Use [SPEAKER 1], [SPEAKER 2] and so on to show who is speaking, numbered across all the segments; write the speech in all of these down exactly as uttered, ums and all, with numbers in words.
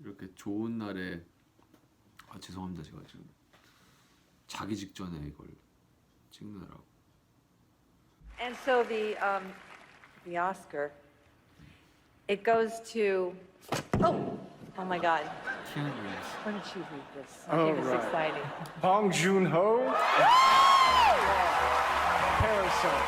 [SPEAKER 1] 이렇게 좋은 날에 아 죄송합니다 제가 지금 자기 직전에 이걸 찍느라고.
[SPEAKER 2] And so the um, the Oscar, it goes to oh oh my God.
[SPEAKER 1] 키아누 리브스.
[SPEAKER 2] Why don't you read this? I
[SPEAKER 3] Oh,
[SPEAKER 2] think it's
[SPEAKER 3] right.
[SPEAKER 2] exciting.
[SPEAKER 3] Bong Joon-ho. Parasite.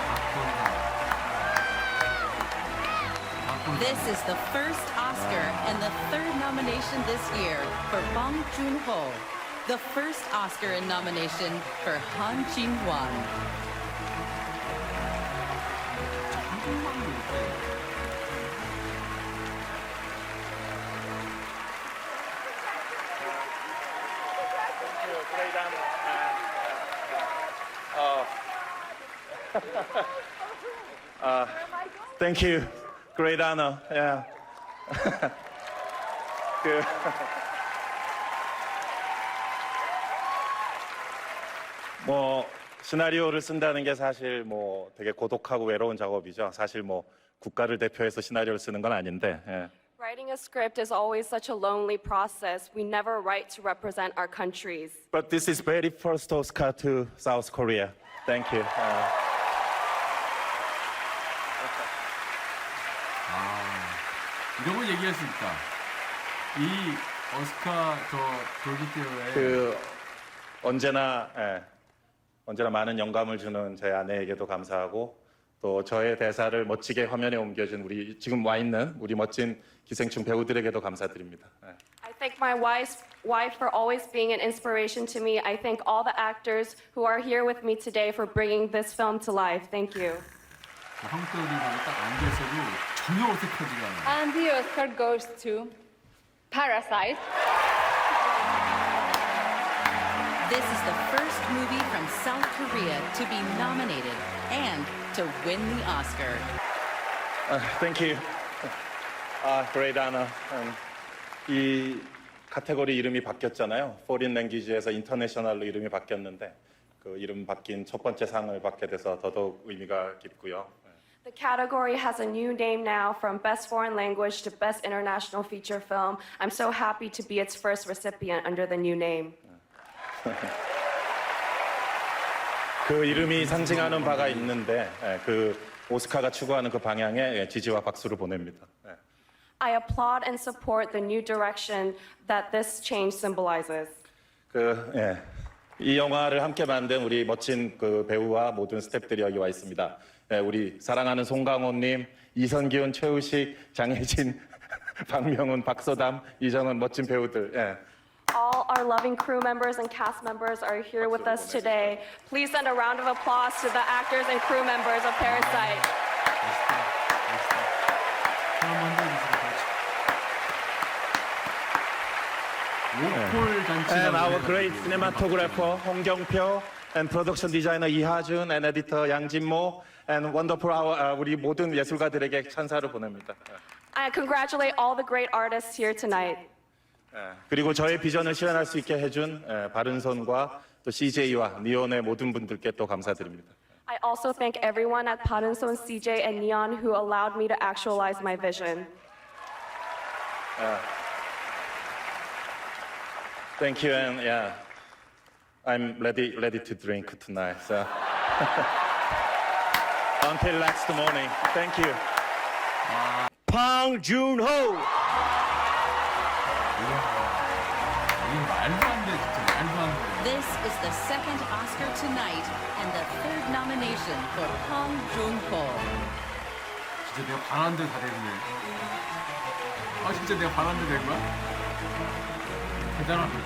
[SPEAKER 4] This is the first Oscar and the third nomination this year for Bong Joon-ho. The first Oscar in nomination for Han Jin-won.
[SPEAKER 1] 한국말로 이렇게
[SPEAKER 3] Uh, thank you. Great honor. Yeah. 그, 뭐 시나리오를 쓴다는 게 사실 뭐 되게 고독하고 외로운 작업이죠. 사실 뭐 국가를 대표해서 시나리오를 쓰는 건 아닌데. 예.
[SPEAKER 5] Writing a script is always such a lonely process. We never write to represent our countries.
[SPEAKER 3] But this is very first Oscar to South Korea. Thank you. Uh,
[SPEAKER 1] 이런 걸 얘기할 수 있다. 이 오스카 저 돌기대회에
[SPEAKER 3] 그 언제나 예, 언제나 많은 영감을 주는 제 아내에게도 감사하고 또 저의 대사를 멋지게 화면에 옮겨준 우리 지금 와 있는 우리 멋진 기생충 배우들에게도 감사드립니다. 예.
[SPEAKER 5] I thank my wife, wife for always being an inspiration to me. I thank all the actors who are here with me today for bringing this film to life. Thank you.
[SPEAKER 1] 한국 배우들이 딱 앉아서도 전혀 어색하지가 않아요.
[SPEAKER 6] And the Oscar goes to Parasite.
[SPEAKER 4] This is the first movie from South Korea to be nominated and to win the Oscar.
[SPEAKER 3] Uh, thank you. 아, great honor. Um, 이 카테고리 이름이 바뀌었잖아요. Foreign Language에서 International로 이름이 바뀌었는데 그 이름 바뀐 첫 번째 상을 받게 돼서 더더욱 의미가 깊고요.
[SPEAKER 5] The category has a new name now from Best Foreign Language to Best International Feature Film. I'm so happy to be its first recipient under the new name.
[SPEAKER 3] 그 이름이 상징하는 바가 있는데 예, 그 오스카가 추구하는 그 방향에 예, 지지와 박수를 보냅니다. 예.
[SPEAKER 5] I applaud and support the new direction that this change symbolizes.
[SPEAKER 3] 그, 예. 이 영화를 함께 만든 우리 멋진 그 배우와 모든 스태프들이 여기 와 있습니다. 예, 우리 사랑하는 송강호님, 이선기훈, 최우식, 장혜진, 박명훈, 박서담, 이정은 멋진 배우들. 예.
[SPEAKER 5] All our loving crew members and cast members are here with us today. Please send a round of applause to the actors and crew members of Parasite.
[SPEAKER 1] 멋있다. 멋있다. 한번 해주세요. 오폴 단체.
[SPEAKER 3] And our great cinematographer 홍경표 and production designer 이하준 and editor 양진모 and wonderful our 아, 우리 모든 예술가들에게 찬사를 보냅니다.
[SPEAKER 5] I congratulate all the great artists here tonight.
[SPEAKER 3] 예. 그리고 저의 비전을 실현할 수 있게 해준 예, 바른손과 또 씨제이와 니온의 모든 분들께 또 감사드립니다.
[SPEAKER 5] I also thank everyone at Parinson, C J, and Neon who allowed me to actualize my vision.
[SPEAKER 3] Thank you and yeah, I'm ready ready to drink tonight. So. Until next morning. Thank you. Bong Joon-ho.
[SPEAKER 1] 이게 말도 안 돼, 진짜 말도 안 돼.
[SPEAKER 4] This is the second Oscar tonight and the third nomination for Bong Joon-ho.
[SPEAKER 1] 진짜 내가 바란 데다 됐네. 아 진짜 내가 바란 데된 거야? 대단하다.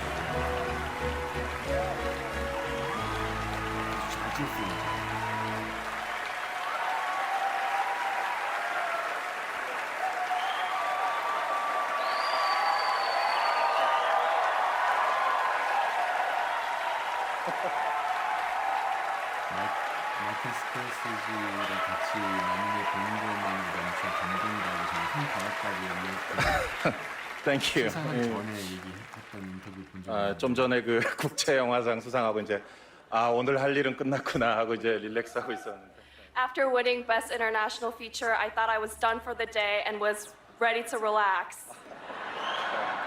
[SPEAKER 1] 잘 찍었어. 마이클 스코세지랑 같이 만나게 되는 것만으로 진짜 감동이라고 저는 손 받았다고
[SPEAKER 3] Thank you.
[SPEAKER 1] 수상하기
[SPEAKER 3] 예.
[SPEAKER 1] 전에 얘기했던 인터뷰 본 적이
[SPEAKER 3] 아,
[SPEAKER 1] 있는데
[SPEAKER 3] 좀 전에 그 국제 영화상 수상하고 이제 아 오늘 할 일은 끝났구나 하고 이제 릴렉스하고 있었는데.
[SPEAKER 5] After winning Best International Feature, I thought I was done for the day and was ready to relax.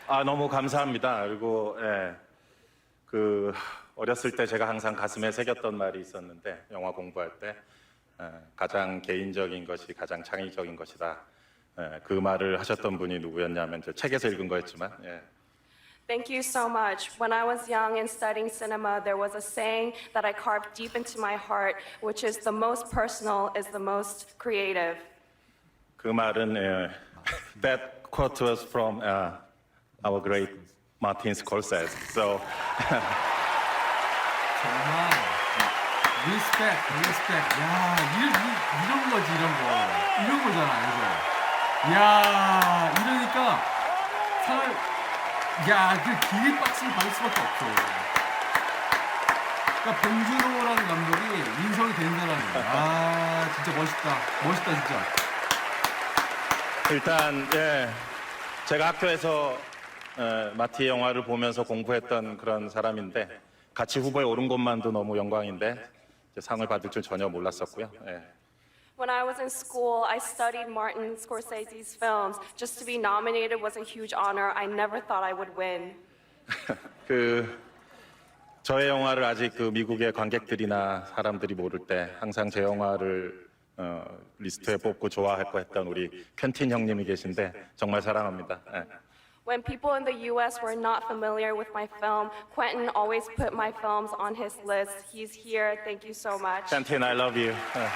[SPEAKER 3] 아, 너무 감사합니다. 그리고 예, 그 어렸을 때 제가 항상 가슴에 새겼던 말이 있었는데 영화 공부할 때 예, 가장 개인적인 것이 가장 창의적인 것이다. 예, 그 말을 하셨던 분이 누구였냐면 저 책에서 읽은 거였지만 예.
[SPEAKER 5] Thank you so much. When I was young and studying cinema, there was a saying that I carved deep into my heart, which is the most personal is the most creative.
[SPEAKER 3] 그 말은 예, that quote was from uh, our great Martin Scorsese. So
[SPEAKER 1] 정말 리스펙, 리스펙. 야, 이런, 이- 이런 거지, 이런 거. 이런 거잖아, 이거. 야, 이러니까 상을, 야, 그 기립 박수를 받을 수밖에 없어. 그러니까 봉준호라는 감독이 인성이 된 사람이야. 아, 진짜 멋있다. 멋있다, 진짜.
[SPEAKER 3] 일단 예, 제가 학교에서 에, 마티 영화를 보면서 공부했던 그런 사람인데 같이 후보에 오른 것만도 너무 영광인데 이제 상을 받을 줄 전혀 몰랐었고요. 예.
[SPEAKER 5] When I was in school, I studied Martin Scorsese's films. Just to be nominated was a huge honor. I never thought I would win.
[SPEAKER 3] 그 저의 영화를 아직 그 미국의 관객들이나 사람들이 모를 때 항상 제 영화를 어, 리스트에 뽑고 좋아했고 했던 우리 퀸틴 형님이 계신데 정말 사랑합니다. 예.
[SPEAKER 5] When people in the U S were not familiar with my film, Quentin always put my films on his list. He's here. Thank you so much.
[SPEAKER 3] 퀸틴, I love you. 예.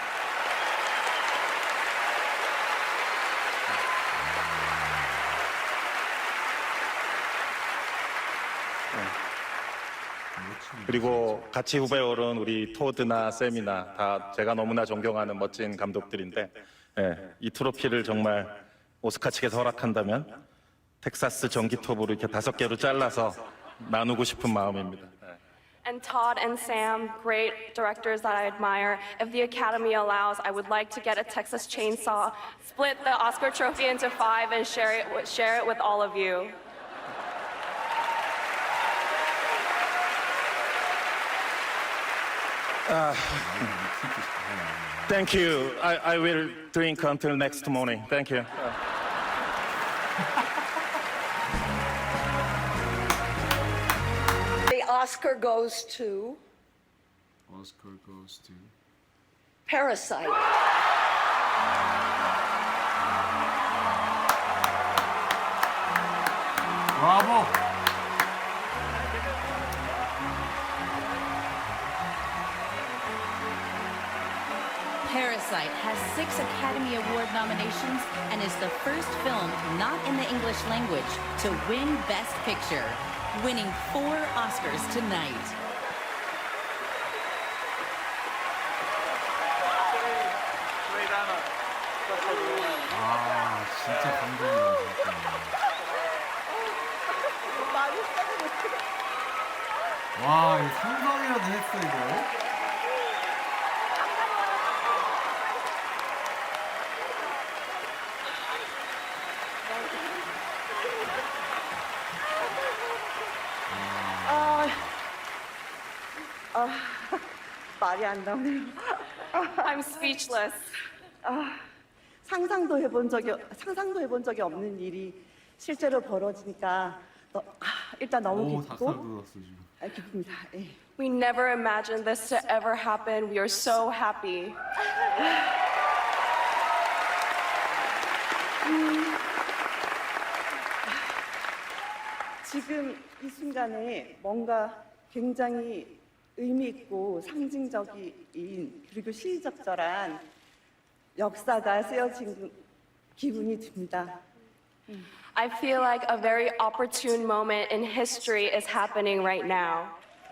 [SPEAKER 3] 그리고 같이 후배에 오른 우리 토드나 샘이나 다 제가 너무나 존경하는 멋진 감독들인데 예, 이 트로피를 정말 오스카 측에서 허락한다면 텍사스 전기톱으로 이렇게 다섯 개로 잘라서 나누고 싶은 마음입니다. 예.
[SPEAKER 5] And Todd and Sam, great directors that I admire. If the Academy allows, I would like to get a Texas chainsaw, split the Oscar trophy into five, and share it, with- share it with all of you.
[SPEAKER 3] Thank you. I, I will drink until next morning. Thank you.
[SPEAKER 7] The Oscar goes to
[SPEAKER 1] Oscar goes to
[SPEAKER 7] Parasite.
[SPEAKER 1] 브라보.
[SPEAKER 4] Parasite has six Academy Award nominations and is the first film not in the English language to win Best Picture, winning four Oscars tonight.
[SPEAKER 1] 아, 진짜 감동이야, 진짜. 와, 이거 상상이라도 했어, 이거.
[SPEAKER 7] 아, 아, 말이 안 나오네요.
[SPEAKER 5] I'm speechless.
[SPEAKER 7] 상상도 해본 적이 상상도 해본 적이 없는 일이 실제로 벌어지니까 너, 아, 일단 너무
[SPEAKER 1] 오, 닭살
[SPEAKER 7] 기쁘고
[SPEAKER 1] 돋았어, 지금.
[SPEAKER 7] 아, 기쁩니다. 예.
[SPEAKER 5] We never imagined this to ever happen. We are so happy.
[SPEAKER 7] 지금 이 순간에 뭔가 굉장히 의미 있고 상징적인 그리고 시의적절한 역사가 쓰여진 기분이 듭니다.
[SPEAKER 5] I feel like a very opportune moment in history is happening right now.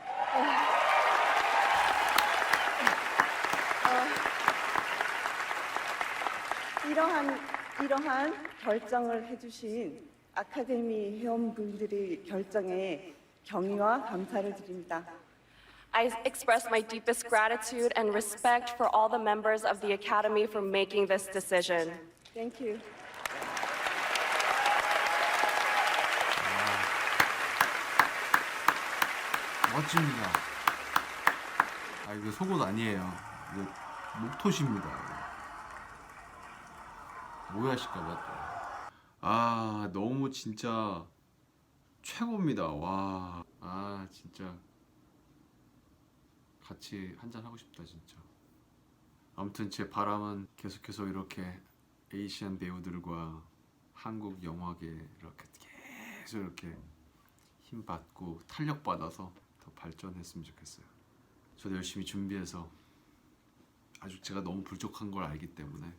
[SPEAKER 7] 이러한 이러한 결정을 해주신 아카데미 회원분들의 결정에 경의와 감사를 드립니다.
[SPEAKER 5] I express my deepest gratitude and respect for all the members of the Academy for making this decision.
[SPEAKER 7] Thank you.
[SPEAKER 1] 멋집니다. 아, 이거 속옷 아니에요. 이거 목토시입니다. 이거. 오해하실까봐 또. 아, 너무 진짜 최고입니다. 와, 아 진짜 같이 한잔 하고 싶다 진짜. 아무튼 제 바람은 계속해서 이렇게 에이시안 배우들과 한국 영화계 이렇게 계속 이렇게 힘 받고 탄력 받아서 더 발전했으면 좋겠어요. 저도 열심히 준비해서 아직 제가 너무 부족한 걸 알기 때문에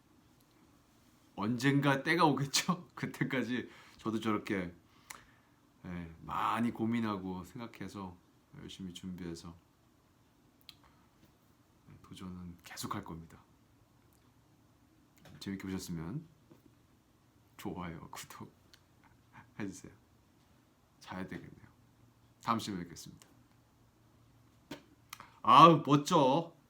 [SPEAKER 1] 언젠가 때가 오겠죠. 그때까지 저도 저렇게 예, 많이 고민하고 생각해서 열심히 준비해서 도전은 계속 할 겁니다. 재밌게 보셨으면 좋아요, 구독 해주세요. 자야 되겠네요. 다음 시간에 뵙겠습니다. 아우 멋져.